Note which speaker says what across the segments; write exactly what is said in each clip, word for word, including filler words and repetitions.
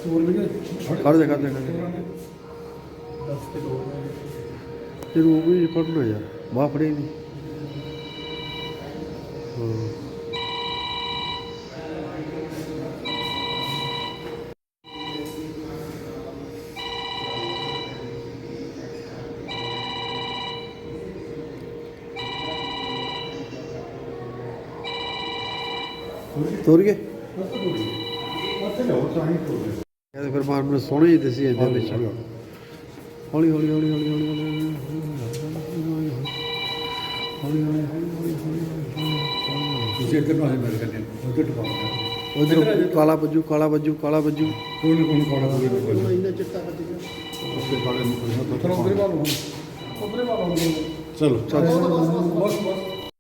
Speaker 1: कर दे कर दे कर दे तेरे वो भी पढ़ना यार वहाँ पढ़ेगी हाँ तुर गए कहते फिर मार में सोने ही दसी ਜਾਂਦੇ ਵਿੱਚ ਹੌਲੀ ਹੌਲੀ ਹੌਲੀ ਹੌਲੀ ਹੌਲੀ ਹੌਲੀ
Speaker 2: ਤੁਸੀਂ ਇੱਧਰ ਨੂੰ ਆ ਮੇਰੇ ਕੰਨੇ ਉੱਧਰ ਟਪਾਉਂਦਾ
Speaker 1: ਉਧਰ ਕਾਲਾ ਬੱਜੂ ਕਾਲਾ ਬੱਜੂ ਕਾਲਾ ਬੱਜੂ
Speaker 2: ਕੋਈ ਨਾ ਕੋਈ ਕਾਲਾ ਕੋਈ ਨਾ
Speaker 3: ਇੰਨਾ ਚਿੱਟਾ ਵੱਜ ਗਿਆ
Speaker 2: ਉਸਦੇ ਕਾਲੇ ਨੂੰ ਕੋਈ ਨਾ
Speaker 3: ਚਲੋ ਉਧਰੇ ਵਾਲ ਹੁਣ ਉਧਰੇ ਵਾਲ ਹੁਣ
Speaker 2: ਚਲੋ
Speaker 3: ਬਸ ਬਸ ਬਸ ਬਸ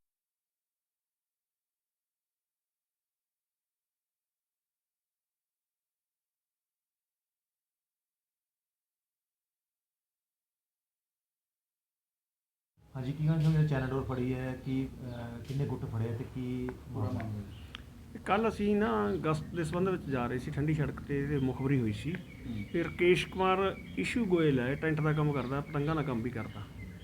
Speaker 4: ਹਾਂਜੀ ਕੀ ਗੱਲ ਹੋਈ ਚੈਨਲ ਡੋਰ ਫੜੀ ਹੈ ਕਿ ਕਿੰਨੇ ਗੁੱਟ ਫੜੇ ਤੇ ਕੀ ਮਾਮਲਾ
Speaker 5: ਕੱਲ ਅਸੀਂ ਨਾ ਅਗਸਤ ਦੇ ਸੰਬੰਧ ਵਿੱਚ ਜਾ ਰਹੇ ਸੀ ਠੰਡੀ ਸੜਕ ਤੇ ਇਹਦੇ ਮੁਖਬਰੀ ਹੋਈ ਸੀ ਫਿਰ ਰਕੇਸ਼ ਕੁਮਾਰ ਇਸ਼ੂ ਗੋਇਲ ਹੈ ਟੈਂਟ ਦਾ ਕੰਮ ਕਰਦਾ ਪਤੰਗਾਂ ਦਾ ਕੰਮ ਵੀ ਕਰਦਾ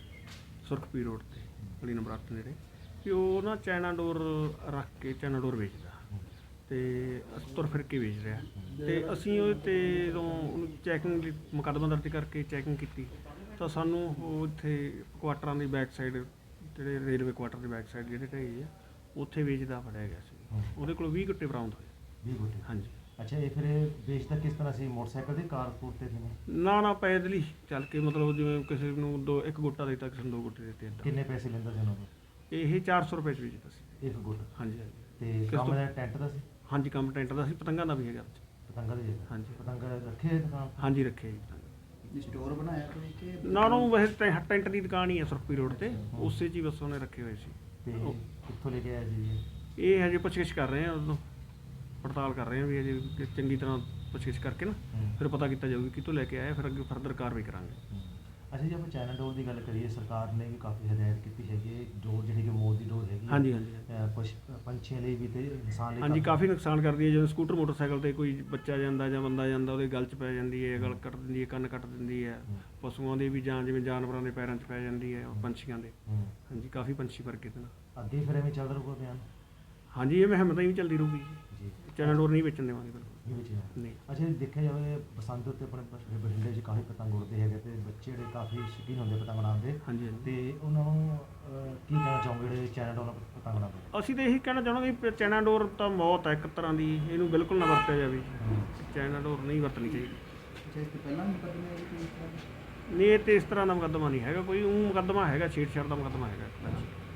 Speaker 5: ਸੁਰਖਪੀ ਰੋਡ ਤੇ ਗਲੀ ਨੰਬਰ ਅੱਠ ਨੇੜੇ ਕਿ ਉਹ ਨਾ ਚਾਈਨਾ ਡੋਰ ਰੱਖ ਕੇ ਚਾਈਨਾ ਡੋਰ ਵੇਚਦਾ ਤੇ ਤੁਰ ਫਿਰ ਕੇ ਵੇਚ ਰਿਹਾ ਤੇ ਅਸੀਂ ਉਹਦੇ ਤੇ ਜਦੋਂ ਉਹਨੂੰ ਚੈਕਿੰਗ ਦੀ ਮੁਕੱਦਮਾ ਦਰਜ ਕਰਕੇ ਚੈਕਿੰਗ ਕੀਤੀ ਤਾਂ ਸਾਨੂੰ ਉਹ ਇੱਥੇ ਕੁਆਟਰਾਂ ਦੀ ਬੈਕ ਸਾਈਡ ਜਿਹੜੇ ਰੇਲਵੇ ਕੁਆਟਰ ਦੀ ਬੈਕ ਸਾਈਡ ਜਿਹੜੇ ਢਾਈ ਆ ਉੱਥੇ ਵੇਚਦਾ ਫੜਿਆ ਗਿਆ ਸੀ ਉਹਦੇ ਕੋਲ ਵੀਹ ਗੁੱਟੇ ਬਰਾਮਦ ਹੋਏ
Speaker 4: ਵੀਹ ਗੁੱਟੇ
Speaker 5: ਹਾਂਜੀ
Speaker 4: ਅੱਛਾ ਇਹ ਫਿਰ ਵੇਚਦਾ ਕਿਸ ਤਰ੍ਹਾਂ ਸੀ ਮੋਟਰਸਾਈਕਲ ਤੇ ਕਾਰ ਕੂਰ ਤੇ ਸੀ
Speaker 5: ਨਾ ਨਾ ਪੈਦਲ ਹੀ ਚੱਲ ਕੇ ਮਤਲਬ ਜਿਵੇਂ ਕਿਸੇ ਨੂੰ ਦੋ ਇੱਕ ਗੁੱਟਾ ਦਿੱਤਾ ਕਿਸੇ ਨੂੰ ਦੋ ਗੁੱਟੇ ਦਿੱਤੇ ਏਦਾਂ
Speaker 4: ਕਿੰਨੇ ਪੈਸੇ ਲੈਂਦਾ ਸੀ ਉਹਨਾਂ ਤੋਂ
Speaker 5: ਇਹ ਚਾਰ ਸੌ ਰੁਪਏ 'ਚ ਵੇਚਦਾ ਸੀ
Speaker 4: ਇੱਕ ਗੁੱਟ
Speaker 5: ਹਾਂਜੀ ਹਾਂਜੀ
Speaker 4: ਤੇ
Speaker 5: ਕਿਸ
Speaker 4: ਕੰਮ
Speaker 5: ਤੋਂ?
Speaker 4: ਦਾ ਟੈਂਟ ਦਾ ਸੀ
Speaker 5: ਹਾਂਜੀ ਕੰਮ ਟੈਂਟ ਦਾ ਸੀ ਪਤੰਗਾਂ ਦਾ ਵੀ ਹੈਗਾ ਵਿੱਚ
Speaker 4: ਪਤੰਗਾ ਦੇ
Speaker 5: ਹਾਂਜੀ।
Speaker 4: ਪਤੰਗਾ ਰੱਖੇ ਹੋਏ ਦੁਕਾਨ ਤੇ?
Speaker 5: ਹਾਂਜੀ ਰੱਖਿਆ ਜੀ ਪਤੰਗ
Speaker 3: ਸਟੋਰ ਬਣਾਇਆ ਕੋਈ ਕਿ
Speaker 5: ਨਾ ਉਹਨੂੰ ਵੈਸੇ ਟੈ- ਟੈਂਟ ਦੀ ਦੁਕਾਨ ਹੀ ਹੈ ਸੁਰਖਪੀ ਰੋਡ ਤੇ ਉਸੇ 'ਚ ਹੀ ਬਸ ਉਹਨੇ ਰੱਖੇ ਹੋਏ ਸੀ
Speaker 4: ਤੇ
Speaker 5: ਉਹ-
Speaker 4: ਕਿੱਥੋਂ ਲੈ ਕੇ ਆਇਆ ਜੀ ਇਹ?
Speaker 5: ਇਹ ਹਜੇ ਪੁੱਛਗਿੱਛ ਕਰ ਰਹੇ ਆ ਉਦੋਂ ਪੜਤਾਲ ਕਰ ਰਹੇ ਆ ਵੀ ਅਜੇ ਕਿ ਚੰਗੀ ਤਰ੍ਹਾਂ ਪੁੱਛਗਿੱਛ ਕਰਕੇ ਨਾ
Speaker 4: ਹੂੰ।
Speaker 5: ਫਿਰ ਪਤਾ ਕੀਤਾ ਜਾਊਗੀ ਕਿੱਥੋਂ ਲੈ ਕੇ ਆਇਆ ਫਿਰ ਅੱਗੇ ਫਰਦਰ ਕਾਰਵਾਈ ਕਰਾਂਗੇ
Speaker 4: ਹੂੰ। ਅੱਛਾ ਜੀ ਆਪਾਂ ਚਾਈਨਾ ਡੋਰ ਦੀ ਗੱਲ ਕਰੀਏ ਸਰਕਾਰ ਨੇ ਵੀ ਕਾਫੀ ਹਦਾਇਤ ਕੀਤੀ ਹੈਗੀ ਹੈ ਡੋਰ ਜਿਹੜੀ ਕਿ ਮੌਤ ਦੀ ਡੋਰ ਹੈਗੀ ਹੈ।
Speaker 5: ਹਾਂਜੀ ਹਾਂਜੀ ਹਾਂਜੀ।
Speaker 4: ਅਹ ਪਸ਼ ਪੰਛੀਆਂ ਲਈ ਵੀ ਤੇ ਇਨਸਾਨ ਲਈ
Speaker 5: ਹਾਂਜੀ ਕਾਫੀ ਨੁਕਸਾਨ ਕਰਦੀ ਹੈ ਜਦੋਂ ਸਕੂਟਰ ਮੋਟਰਸਾਈਕਲ ਤੇ ਕੋਈ ਬੱਚਾ ਜਾਂਦਾ ਜਾਂ ਬੰਦਾ ਜਾਂਦਾ ਉਹਦੇ ਗਲ 'ਚ ਪੈ ਜਾਂਦੀ ਹੈ ਗਲ ਕੱਟ ਦਿੰਦੀ ਹੈ ਕੰਨ ਕੱਟ ਦਿੰਦੀ ਹੈ ਪਸ਼ੂਆਂ ਦੇ ਵੀ ਜਾਂ ਜਿਵੇਂ ਜਾਨਵਰਾਂ ਦੇ ਪੈਰਾਂ 'ਚ ਪੈ ਜਾਂਦੀ ਹੈ ਪੰਛੀਆਂ ਦੇ
Speaker 4: ਹੂੰ।
Speaker 5: ਹਾਂਜੀ ਕਾਫੀ ਪੰਛੀ ਵਰਗੇ ਤੇ ਨਾ
Speaker 4: ਅੱਗੇ ਫਿਰ ਐਵੇਂ ਚੱਲਦਾ ਰਹੂਗਾ ਬਿਆਨ
Speaker 5: ਹਾਂਜੀ ਇਹ ਮੁਹਿੰਮ ਹੀ ਵੀ ਚੱਲਦੀ ਰਹੂਗੀ
Speaker 4: ਜੀ
Speaker 5: ਚਾਈਨਾ ਡੋਰ ਨਹੀਂ ਵੇਚਣ ਦੇਵਾਂਗੇ ਬਿਲਕੁਲ
Speaker 4: ਇਹ ਵਿੱਚ ਹੈ।
Speaker 5: ਨਹੀਂ
Speaker 4: ਅੱਛਾ ਜੀ ਦੇਖਿਆ ਜਾਵੇ ਬਸੰਤ ਉੱਤੇ ਆਪਣੇ ਬ- ਬਠਿੰਡੇ 'ਚ ਕਾਫੀ ਪਤੰਗ ਉੜਦੇ ਹੈਗੇ ਤੇ ਬੱਚੇ ਜਿਹੜੇ ਕਾਫੀ ਸ਼ੌਕੀਨ ਹੁੰਦੇ ਪਤੰਗ ਉਡਾਉਣ ਦੇ
Speaker 5: ਹਾਂਜੀ ਹਾਂਜੀ
Speaker 4: ਤੇ ਉਹਨਾਂ ਨੂੰ ਅਹ, ਕੀ ਕਹਿਣਾ ਚਾਹੋਗੇ ਜਿਹੜੇ ਚਾਈਨਾ ਡੋਰ ਨਾਲ ਪਤੰਗ ਉਡਾਉਂਦੇ?
Speaker 5: ਅਸੀਂ ਤਾਂ ਇਹੀ ਕਹਿਣਾ ਚਾਹੁੰਦੇ ਵੀ ਚਾਈਨਾ ਡੋਰ ਤਾਂ ਮੌਤ ਹੈ ਇੱਕ ਤਰ੍ਹਾਂ ਦੀ ਇਹਨੂੰ ਬਿਲਕੁਲ ਨਾ ਵਰਤਿਆ ਜਾਵੇ
Speaker 4: ਹੂੰ।
Speaker 5: ਚਾਈਨਾ ਡੋਰ ਨਹੀਂ ਵਰਤਣੀ ਚਾਹੀਦੀ
Speaker 3: ਅੱਛਾ ਇਸ ਤੋਂ ਪਹਿਲਾਂ ਵੀ ਮੁਕੱਦਮੇ ਆਏ ਕੋਈ ਇਸ ਤਰ੍ਹਾਂ ਦੇ?
Speaker 5: ਨਹੀਂ ਇਹ ਤੇ ਇਸ ਤਰ੍ਹਾਂ ਦਾ ਮੁਕੱਦਮਾ ਨਹੀਂ ਹੈਗਾ ਕੋਈ ਉਹ ਮੁਕੱਦਮਾ ਹੈਗਾ ਛੇੜਛਾੜ ਦਾ ਮੁਕੱਦਮਾ ਹੈਗਾ